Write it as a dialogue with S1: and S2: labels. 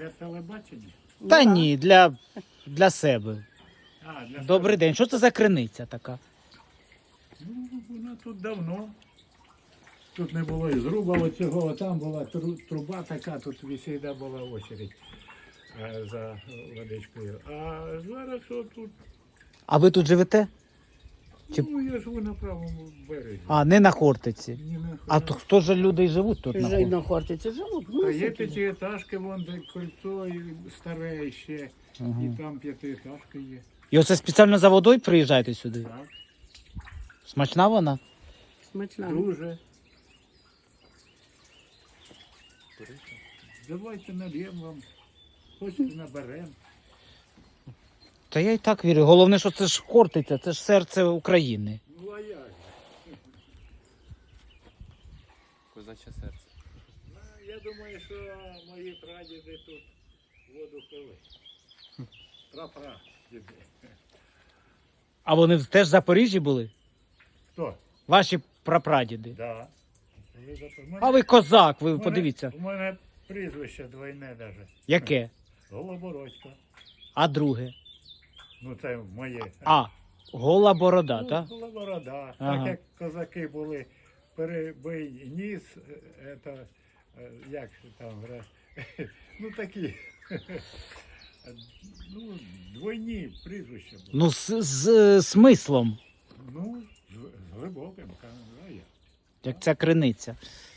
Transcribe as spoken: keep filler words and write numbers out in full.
S1: Для телебачення?
S2: Та ні, для, для себе.
S1: А, для
S2: Добрий день. Що це за криниця така?
S1: Ну, вона тут давно. Тут не було і зруба оцього, а там була тру- труба така, тут завжди була очередь е, за водичкою. А зараз отут,
S2: А ви тут живете? Чи-
S1: ну я живу на правому березі.
S2: А, не на Хортиці.
S1: Ні, на
S2: А то хто ж люди живуть тут на
S3: Вже й
S2: Хортиці?
S3: на Хортиці живуть. Ну,
S1: А є
S3: такі.
S1: п'ятиэтажки, вон де кольцо і старе ще,
S2: Ага.
S1: і там п'ятиэтажки є.
S2: І оце спеціально за водою приїжджаєте сюди?
S1: Так,
S2: Смачна вона?
S3: Смачна.
S1: дуже. Давайте нальємо вам, хочете наберемо.
S2: Та я і так вірю. Головне, що це ж Хортиця, це ж серце України.
S1: Ну а як? же?
S4: Козаче серце.
S1: Ну, я думаю, що мої прадіди тут воду пили. Прапрадіди.
S2: А вони теж в Запоріжжі були?
S1: Хто?
S2: Ваші прапрадіди.
S1: Да. Ви запро- мене-
S2: А ви козак, ви
S1: мене-
S2: подивіться.
S1: У мене прізвище двойне навіть.
S2: Яке?
S1: Голобородько.
S2: А друге?
S1: Ну це моє.
S2: А, гола борода,
S1: Ну,
S2: так?
S1: Голоборода.
S2: Ага.
S1: Так як козаки були, перебий ніс, е, это, е, як же там, вра- ну такі. Ну, двойні прізвища були.
S2: Ну, з, з, е, смислом,
S1: Ну, з, з глибоким, а я.
S2: як ця криниця.